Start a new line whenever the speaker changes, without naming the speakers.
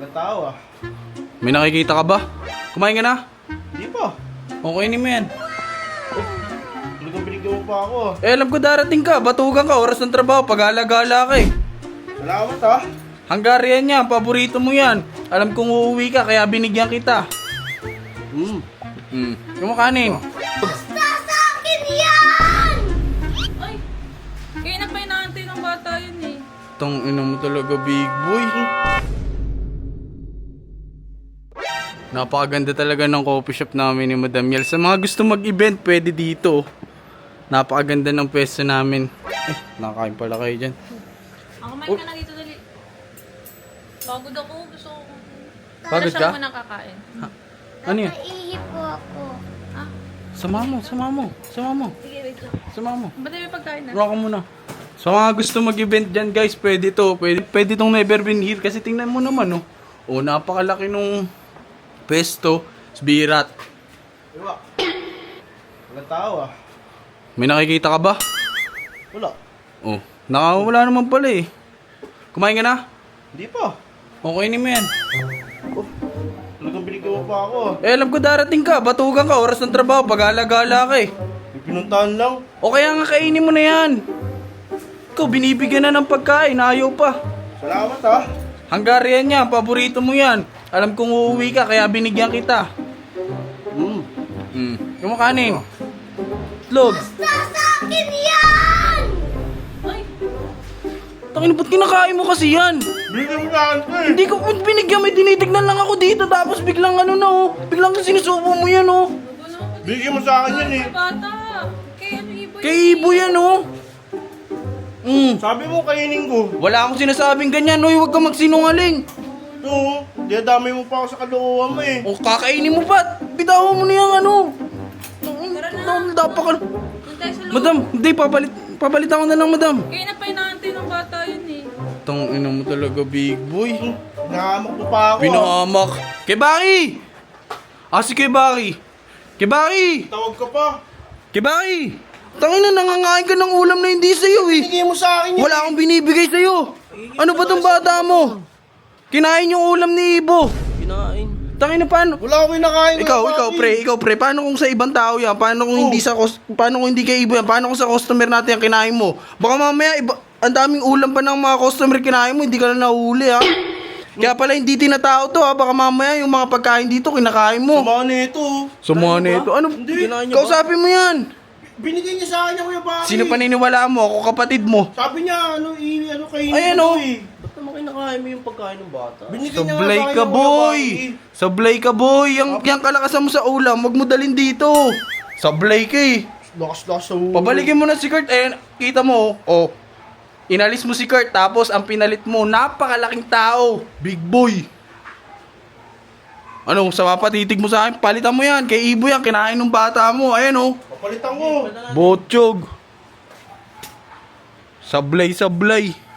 Walang tao ah.
May nakikita ka ba? Kumain ka na?
Hindi pa.
Okay ni mo yan.
Binigyan mo pa ako.
Eh alam ko darating ka, batugan ka, oras ng trabaho, pag-alagala ka eh.
Salamat ah.
Hungarian yan, paborito mo yan. Alam kong uuwi ka, kaya binigyan kita. Kumakanin.
Basta sa akin yan!
Ay, kaya na pa inaantay ng bata yun eh.
Tong ina mo talaga, big boy. Napakaganda talaga ng coffee shop namin ni Madam Yel. Sa mga gusto mag-event, pwede dito. Napakaganda ng pwesto namin. Nakakain pala kayo dyan.
Ako kumain ka na dito dali. Pagod ako, gusto ko.
Pagod
Siya
ka?
naman nakakain.
Ano yun?
Nakaihip po ako.
Ah,
Sama mo.
sige, wait lang.
Sama mo.
Ba't may pagkain na?
Ruha ka muna. Sa mga gusto mag-event dyan guys, pwede to. Pwede tong never been here. Kasi tingnan mo naman, oh. Oh, napakalaki nung pesto. Birat.
Diba? Walang tao ah.
May nakikita ka ba?
Wala.
Oh, nakawala naman pala eh. Kumain ka na?
Hindi pa.
Okay ni mo yan.
Binigyan mo pa ako.
Eh alam ko darating ka, batugan ka, oras ng trabaho, pag-alagala ka eh.
May pinuntahan lang.
O kaya nga kainin mo na yan. Ikaw, binibigyan na ng pagkain, ayaw pa.
Salamat ah.
Hungarian yan, paborito mo yan. Alam kong uuwi ka, kaya binigyan kita. Kumakanin. Itlog.
Basta sa akin yan!
Ay,
Tangin, ba't kinakain mo kasi yan?
Binigyan mo sa akin to eh.
Hindi ko binigyan, may tinitignan lang ako dito. Tapos biglang ano na oh. Biglang sinusubo mo yan oh.
Binigyan mo sa akin yan eh.
bata. Kay ano ibo yun?
Kay Ibo yan oh.
Sabi mo kainin ko.
Wala akong sinasabing ganyan, oy, huwag ka magsinungaling.
Oo. Dinadamay mo pa ako sa kaloohan mo eh.
O kakainin mo pa, bitawan mo na yung ano.
Tara na.
Dapat ka.
Doon tayo sa loob.
Madam, hindi, papalit ako na lang, madam.
Kaya na pa inaantay ng bata yun eh.
Tang ina mo talaga, big boy.
Hinahamak mo pa ako.
Pinahamak. Kay Baki! Si Kay Baki. Kay Baki!
Tawag ka pa.
Kay Baki! Tangin na, nangangain ka ng ulam na hindi sa'yo eh.
Binigyan mo sa akin yan.
Wala akong binibigay sa'yo. Ano ba tong bata mo? Kinain yung ulam ni Ibo.
Kinain.
Tangin na paano?
Wala akong kinakain.
Ikaw pre, paano kung sa ibang tao yan? Paano kung paano kung hindi kay Ibo yan? Paano kung sa customer natin yan kinain mo? Baka mamaya ang daming ulam pa ng mga customer kinain mo, hindi ka na nahuli ha. Kaya pala hindi tinatao to ha, baka mamaya yung mga pagkain dito kinakain mo.
Sumama nito.
Sumuha na ito. Ano?
Hindi.
Kausapin mo yan.
Binigyan niya sa akin yung Kuya Baki.
Sino paniniwalaan mo? Ako kapatid mo.
Sabi niya, ano kainin
Ayan,
mo
oh.
eh.
Ba't naman kinakain mo yung pagkain ng bata?
Binigyan niya nga
Sablay
sa akin
ka
yung Kuya
boy.
Baki.
Sablay ka boy. Yang kalakasan mo sa ulam, wag mo dalhin dito. Sablay ka eh.
Lakas-lakas sa ulo.
Pabalikin mo na si Kurt. Eh, kita mo, oh. Inalis mo si Kurt, tapos ang pinalit mo, napakalaking tao. Big boy. Ano, sa mapatitig mo sa akin, palitan mo yan. Kay Ibo yan, kinain ng bata mo. Ayan oh.
Papalitan ko.
Botchog. Sablay.